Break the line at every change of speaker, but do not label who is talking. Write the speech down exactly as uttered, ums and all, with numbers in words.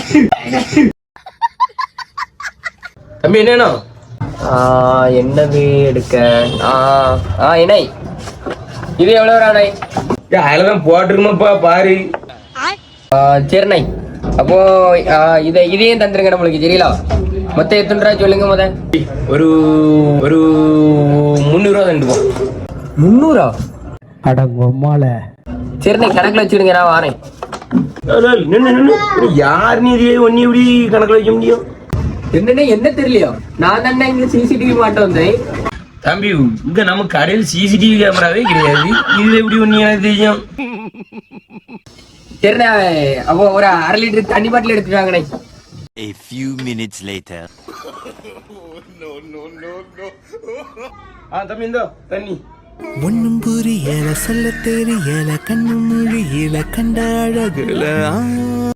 தம்பி என்னன்னா
என்னது எடுக்க இணை இது எவ்வளவு அணை?
அதுலதான் போட்டிருக்குமாப்பா பாரு.
சரிண்ணை அப்போ இதை இதையும் தந்துருங்க நம்மளுக்கு சரிங்களா? மொத்தம் எத்தனை ரூபா சொல்லுங்க முத.
ஒரு ஒரு முந்நூறு ரூபா தண்டுப்போம்.
முந்நூறா?
அடங்கம்மால.
சரிண்ணை கணக்குல வச்சுடுங்க, நான் வரேன்.
யார் நீ இதே ஒன்னி எப்படி கணக்குல வைக்க முடியும்?
என்னன்னா என்ன தெரியலையோ, நான் தானே இங்க சிசிடிவி மாட்ட வந்தேன்.
தம்பி இங்க நம்ம கடையில் சிசிடிவி கேமராவே கிடையாது, இது எப்படி ஒண்ணு எனக்கு தெரியும்?
சரிண்ணா அப்போ ஒரு அரை லிட்டர் தண்ணி பாட்டில் எடுத்துட்டு வாங்கண்ணே.
A few minutes later.
ஆ தம்பி இந்தோ தண்ணி.
ஒன்னும் புரியல சொல்ல தெரியல கண்ணு மொழியில கண்ட அழகுல